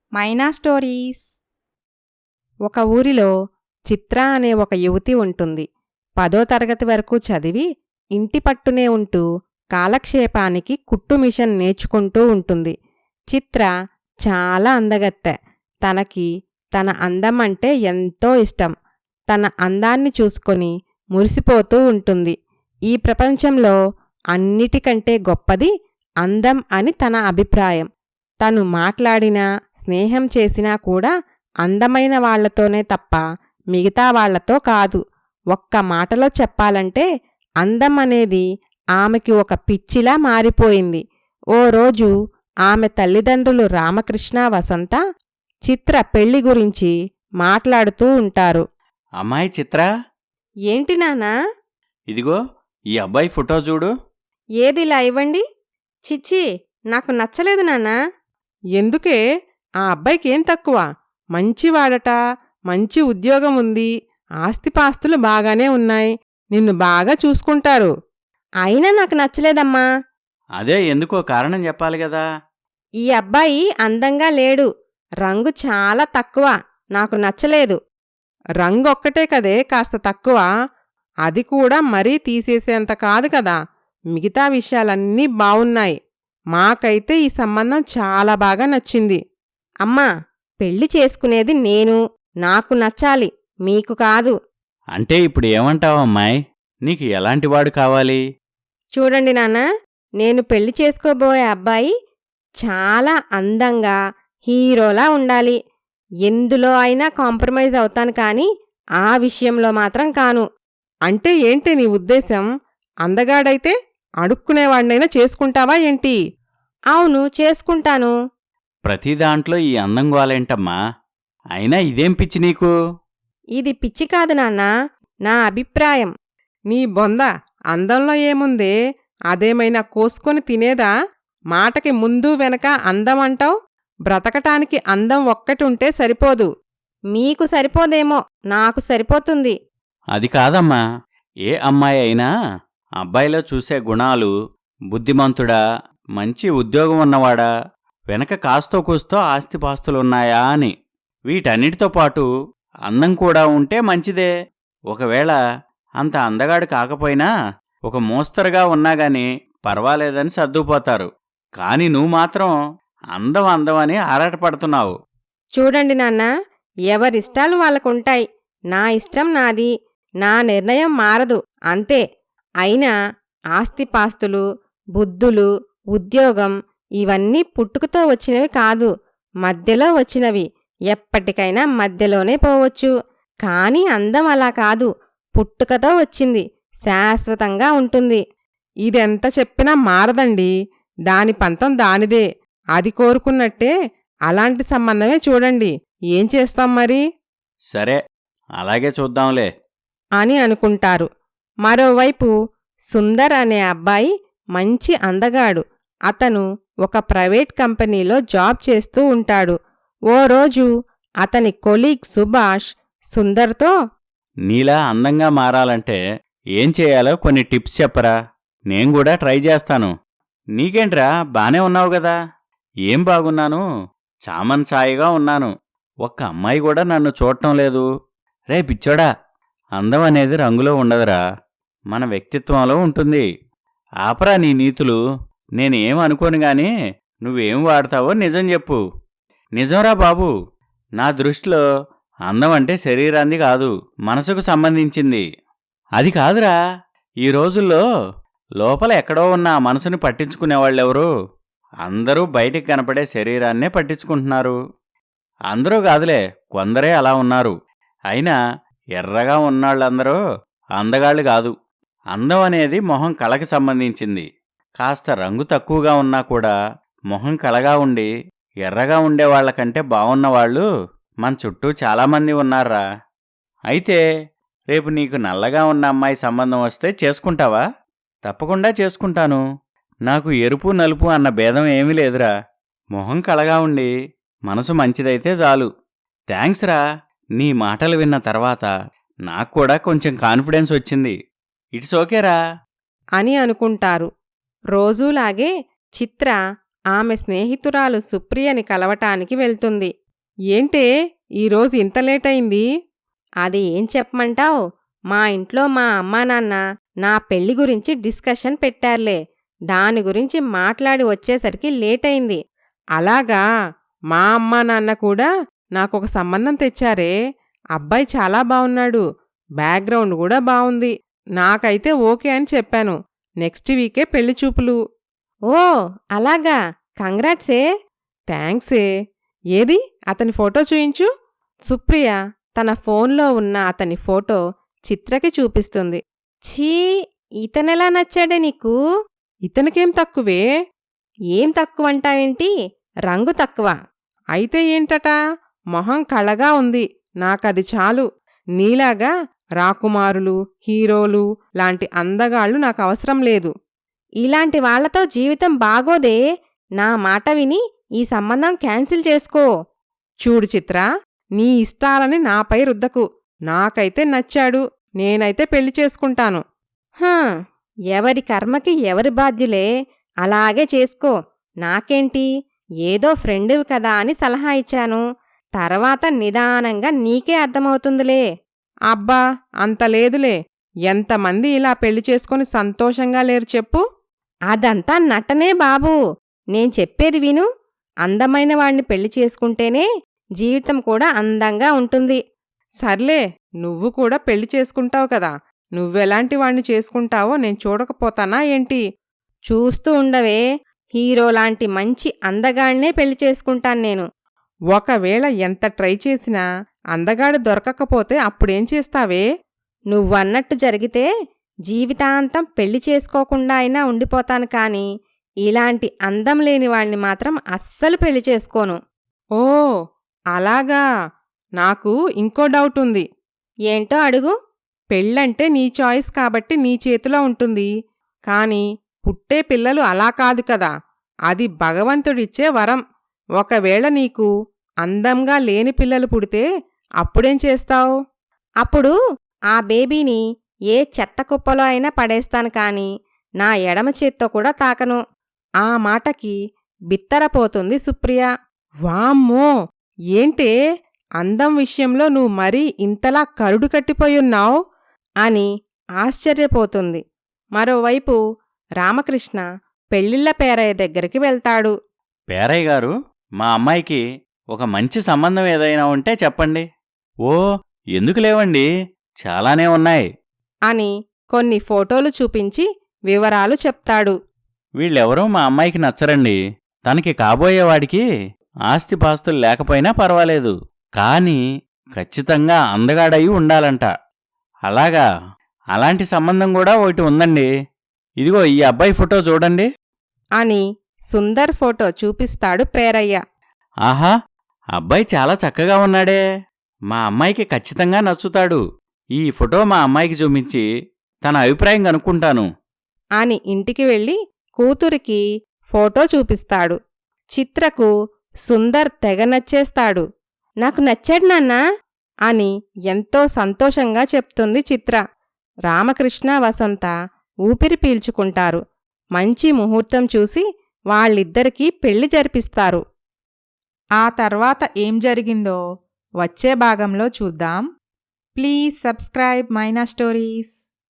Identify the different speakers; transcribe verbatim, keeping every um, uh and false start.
Speaker 1: మైనా stories. ఒక ఊరిలో చిత్ర అనే ఒక యువతి ఉంటుంది. పదో తరగతి వరకు చదివి ఇంటి పట్టునే ఉంటూ కాలక్షేపానికి కుట్టు మిషన్ నేర్చుకుంటూ ఉంటుంది. చిత్ర చాలా అందగత్తె. తనకి తన అందం అంటే ఎంతో ఇష్టం. తన అందాన్ని చూసుకొని మురిసిపోతూ ఉంటుంది. ఈ ప్రపంచంలో అన్నిటికంటే గొప్పది అందం అని తన అభిప్రాయం. తను మాట్లాడినా స్నేహం చేసినా కూడా అందమైన వాళ్లతోనే తప్ప మిగతా వాళ్లతో కాదు. ఒక్క మాటలో చెప్పాలంటే అందం అనేది ఆమెకి ఒక పిచ్చిలా మారిపోయింది. ఓ రోజు ఆమె తల్లిదండ్రులు రామకృష్ణ, వసంత చిత్ర పెళ్లి గురించి మాట్లాడుతూ ఉంటారు.
Speaker 2: అమ్మాయి చిత్ర,
Speaker 1: ఏంటి నాన్నా?
Speaker 2: ఇదిగో ఈ అబ్బాయి ఫోటో చూడు.
Speaker 1: ఏదిలా ఇవ్వండి. చిచ్చి, నాకు నచ్చలేదు నాన్నా.
Speaker 3: ఎందుకే? ఆ అబ్బాయికేం తక్కువ? మంచివాడట, మంచి ఉద్యోగం ఉంది, ఆస్తిపాస్తులు బాగానే ఉన్నాయి, నిన్ను బాగా చూసుకుంటారు.
Speaker 1: అయినా నాకు నచ్చలేదమ్మా.
Speaker 2: అదే ఎందుకో కారణం చెప్పాలి కదా.
Speaker 1: ఈ అబ్బాయి అందంగా లేడు, రంగు చాలా తక్కువ, నాకు నచ్చలేదు.
Speaker 3: రంగొక్కటే కదే కాస్త తక్కువ, అది కూడా మరీ తీసేసేంత కాదు కదా. మిగతా విషయాలన్నీ బావున్నాయి. మాకైతే ఈ సంబంధం చాలా బాగా నచ్చింది.
Speaker 1: అమ్మా, పెళ్లి చేసుకునేది నేను, నాకు నచ్చాలి, మీకు కాదు.
Speaker 2: అంటే ఇప్పుడు ఏమంటావు అమ్మాయి? నీకు ఎలాంటివాడు కావాలి?
Speaker 1: చూడండి నాన్న, నేను పెళ్లి చేసుకోబోయే అబ్బాయి చాలా అందంగా హీరోలా ఉండాలి. ఎందులో అయినా కాంప్రమైజ్ అవుతాను కానీ ఆ విషయంలో మాత్రం కాను.
Speaker 3: అంటే ఏంటి నీ ఉద్దేశం? అందగాడైతే అడుక్కునేవాడినైనా చేసుకుంటావా ఏంటి?
Speaker 1: అవును, చేసుకుంటాను.
Speaker 2: ప్రతి దాంట్లో ఈ అందం గోలేంటమ్మా? అయినా ఇదేం పిచ్చి నీకు?
Speaker 1: ఇది పిచ్చి కాదు నాన్నా, నా అభిప్రాయం.
Speaker 3: నీ బొంద, అందంలో ఏముందే? అదేమైనా కోసుకొని తినేదా? మాటకి ముందు వెనక అందం అంటావు. బ్రతకటానికి అందం ఒక్కటుంటే సరిపోదు.
Speaker 1: మీకు సరిపోదేమో, నాకు సరిపోతుంది.
Speaker 2: అది కాదమ్మా. ఏ అమ్మాయి అయినా అబ్బాయిలో చూసే గుణాలు, బుద్ధిమంతుడా, మంచి ఉద్యోగం ఉన్నవాడా, వెనక కాస్తో కూస్తో ఆస్తిపాస్తులున్నాయా అని. వీటన్నిటితో పాటు అందం కూడా ఉంటే మంచిదే. ఒకవేళ అంత అందగాడు కాకపోయినా ఒక మోస్తరుగా ఉన్నాగాని పర్వాలేదని సర్దుకుపోతారు. కాని నువ్వు మాత్రం అందం అందం అని ఆరాటపడుతున్నావు.
Speaker 1: చూడండి నాన్న, ఎవరిష్టాలు వాళ్ళకుంటాయి. నా ఇష్టం నాది, నా నిర్ణయం మారదు, అంతే. అయినా ఆస్తిపాస్తులు, బుద్ధులు, ఉద్యోగం ఇవన్నీ పుట్టుకతో వచ్చినవి కాదు, మధ్యలో వచ్చినవి. ఎప్పటికైనా మధ్యలోనే పోవచ్చు. కాని అందం అలా కాదు, పుట్టుకతో వచ్చింది, శాశ్వతంగా ఉంటుంది.
Speaker 3: ఇదెంత చెప్పినా మారదండి. దాని పంతం దానిదే. అది కోరుకున్నట్టే అలాంటి సంబంధమే చూడండి. ఏం చేస్తాం మరి?
Speaker 2: సరే, అలాగే చూద్దాంలే
Speaker 1: అని అనుకుంటారు. మరోవైపు సుందర్ అనే అబ్బాయి మంచి అందగాడు. అతను ఒక ప్రైవేట్ కంపెనీలో జాబ్ చేస్తూ ఉంటాడు. ఓ రోజు అతని కొలీగ్ సుభాష్ సుందర్తో,
Speaker 2: నీలా అందంగా మారాలంటే ఏం చేయాలో కొన్ని టిప్స్ చెప్పరా, నేను కూడా ట్రై చేస్తాను. నీకేంట్రా, బానే ఉన్నావు గదా? ఏం బాగున్నాను, చామన్ సాయిగా ఉన్నాను. ఒక్క అమ్మాయి కూడా నన్ను చూడటం లేదు. రే పిచ్చోడా, అందం అనేది రంగులో ఉండదురా, మన వ్యక్తిత్వంలో ఉంటుంది. ఆపరా నీ నీతులు. నేనేం అనుకోను గాని నువ్వేం వాడతావో నిజం చెప్పు. నిజంరా బాబు, నా దృష్టిలో అందం అంటే శరీరాంది కాదు, మనసుకు సంబంధించింది. అది కాదురా, ఈ రోజుల్లో లోపల ఎక్కడో ఉన్న ఆ మనసుని పట్టించుకునేవాళ్ళెవరు? అందరూ బయటికి కనపడే శరీరాన్నే పట్టించుకుంటున్నారు. అందరూ కాదులే, కొందరే అలా ఉన్నారు. అయినా ఎర్రగా ఉన్నాళ్ళందరూ అందగాళ్ళు కాదు. అందం అనేది మొహం కళకి సంబంధించింది. కాస్త రంగు తక్కువగా ఉన్నా కూడా మొహం కళగా ఉండి ఎర్రగా ఉండేవాళ్లకంటే బావున్నవాళ్లు మన చుట్టూ చాలామంది ఉన్నారా. అయితే రేపు నీకు నల్లగా ఉన్న అమ్మాయి సంబంధం వస్తే చేసుకుంటావా? తప్పకుండా చేసుకుంటాను. నాకు ఎరుపు నలుపు అన్న భేదం ఏమీ లేదురా. మొహం కళగా ఉండి మనసు మంచిదైతే చాలు. థ్యాంక్స్ రా, నీ మాటలు విన్న తర్వాత నాక్కూడా కొంచెం కాన్ఫిడెన్స్ వచ్చింది. ఇట్స్ ఓకేరా
Speaker 1: అని అనుకుంటారు. రోజూలాగే చిత్ర
Speaker 3: ఆమె స్నేహితురాలు సుప్రియని కలవటానికి వెళ్తుంది. ఏంటే ఈరోజు ఇంత లేటయింది?
Speaker 1: అది ఏం చెప్పమంటావ్? మా ఇంట్లో మా అమ్మా నాన్న నా పెళ్లి గురించి డిస్కషన్ పెట్టారులే. దాని గురించి మాట్లాడి వచ్చేసరికి లేటయింది.
Speaker 3: అలాగా, మా అమ్మా నాన్న కూడా నాకొక సంబంధం తెచ్చారే. అబ్బాయి చాలా బావున్నాడు, బ్యాక్గ్రౌండ్ కూడా బావుంది. నాకైతే ఓకే అని చెప్పాను. నెక్స్ట్ వీకే పెళ్లి చూపులు.
Speaker 1: ఓ అలాగా, కంగ్రాట్సే.
Speaker 3: థ్యాంక్సే. ఏది అతని ఫోటో చూయించు.
Speaker 1: సుప్రియ తన ఫోన్లో ఉన్న అతని ఫోటో చిత్రకి చూపిస్తుంది. ఛీ, ఇతనెలా నచ్చాడే నీకు?
Speaker 3: ఇతనికేం తక్కువే?
Speaker 1: ఏం తక్కువంటావేంటి? రంగు తక్కువ.
Speaker 3: అయితే ఏంటట? మొహం కళగా ఉంది, నాకది చాలు. నీలాగా రాకుమారులు, హీరోలు లాంటి అందగాళ్ళు నాకు అవసరం లేదు.
Speaker 1: ఇలాంటి వాళ్లతో జీవితం బాగోదే. నా మాట విని ఈ సంబంధం క్యాన్సిల్ చేసుకో.
Speaker 3: చూడు చిత్ర, నీ ఇష్టాలని నాపై రుద్దకు. నాకైతే నచ్చాడు, నేనైతే పెళ్లి చేసుకుంటాను.
Speaker 1: హా, ఎవరి కర్మకి ఎవరి బాధ్యులే. అలాగే చేసుకో. నాకేంటి, ఏదో ఫ్రెండువి కదా అని సలహా ఇచ్చాను. తర్వాత నిదానంగా నీకే అర్థమవుతుందిలే.
Speaker 3: అబ్బా, అంత లేదులే. ఎంతమంది ఇలా పెళ్లి చేసుకుని సంతోషంగా లేరు చెప్పు.
Speaker 1: అదంతా నటనే బాబూ. నేను చెప్పేది విను. అందమైన వాణ్ణి పెళ్లి చేసుకుంటేనే జీవితం కూడా అందంగా ఉంటుంది.
Speaker 3: సర్లే, నువ్వు కూడా పెళ్లి చేసుకుంటావు కదా. నువ్వెలాంటి వాణ్ణి చేసుకుంటావో నేను చూడకపోతానా ఏంటి?
Speaker 1: చూస్తూ ఉండవే. హీరోలాంటి మంచి అందగాణ్ణే పెళ్లి చేసుకుంటాను నేను.
Speaker 3: ఒకవేళ ఎంత ట్రై చేసినా అందగాడు దొరకకపోతే అప్పుడేం చేస్తావే?
Speaker 1: నువ్వన్నట్టు జరిగితే జీవితాంతం పెళ్లి చేసుకోకుండా అయినా ఉండిపోతాను కాని ఇలాంటి అందం లేని వాణ్ణి మాత్రం అస్సలు పెళ్లి చేసుకోను.
Speaker 3: ఓ అలాగా. నాకు ఇంకో డౌట్ ఉంది.
Speaker 1: ఏంటో అడుగు.
Speaker 3: పెళ్ళంటే నీ చాయిస్ కాబట్టి నీ చేతిలో ఉంటుంది. కాని పుట్టే పిల్లలు అలా కాదు కదా. అది భగవంతుడిచ్చే వరం. ఒకవేళ నీకు అందంగా లేని పిల్లలు పుడితే అప్పుడేం చేస్తావు?
Speaker 1: అప్పుడు ఆ బేబీని ఏ చెత్త కుప్పలో అయినా పడేస్తాను కాని నా ఎడమ చేత్తో కూడా తాకను.
Speaker 3: ఆ మాటకి బిత్తరపోతుంది సుప్రియ. వామ్మో, ఏంటే అందం విషయంలో నువ్వు మరీ ఇంతలా కరుడు కట్టిపోయున్నావు
Speaker 1: అని ఆశ్చర్యపోతుంది. మరోవైపు రామకృష్ణ పెళ్ళిళ్ళ పేరయ్య దగ్గరికి వెళ్తాడు.
Speaker 2: పేరయ్య గారు, మా అమ్మాయికి ఒక మంచి సంబంధం ఏదైనా ఉంటే చెప్పండి. ఓ ఎందుకు లేవండి, చాలానే ఉన్నాయి
Speaker 1: అని కొన్ని ఫోటోలు చూపించి వివరాలు చెప్తాడు.
Speaker 2: వీళ్ళెవరూ మా అమ్మాయికి నచ్చరండి. తనకి కాబోయేవాడికి ఆస్తిపాస్తులు లేకపోయినా పర్వాలేదు, కాని ఖచ్చితంగా అందగాడయి ఉండాలంట. అలాగా, అలాంటి సంబంధం కూడా ఒకటి ఉందండి. ఇదిగో ఈ అబ్బాయి ఫోటో చూడండి
Speaker 1: అని సుందర్ ఫోటో చూపిస్తాడు పేరయ్య.
Speaker 2: ఆహా, అబ్బాయి చాలా చక్కగా ఉన్నాడే. మా అమ్మాయికి ఖచ్చితంగా నచ్చుతాడు. ఈ ఫోటో మా అమ్మాయికి చూపించి తన అభిప్రాయం కనుక్కుంటాను
Speaker 1: అని ఇంటికి వెళ్ళి కూతురికి ఫోటో చూపిస్తాడు. చిత్రకు సుందర్ తెగ నచ్చేస్తాడు. నాకు నచ్చాడు నాన్నా అని ఎంతో సంతోషంగా చెప్తుంది చిత్ర. రామకృష్ణ వసంత ఊపిరి పీల్చుకుంటారు. మంచి ముహూర్తం చూసి వాళ్ళిద్దరికీ పెళ్లి జరిపిస్తారు.
Speaker 4: ఆ తర్వాత ఏం జరిగిందో వచ్చే భాగంలో చూద్దాం. Please subscribe Maina stories.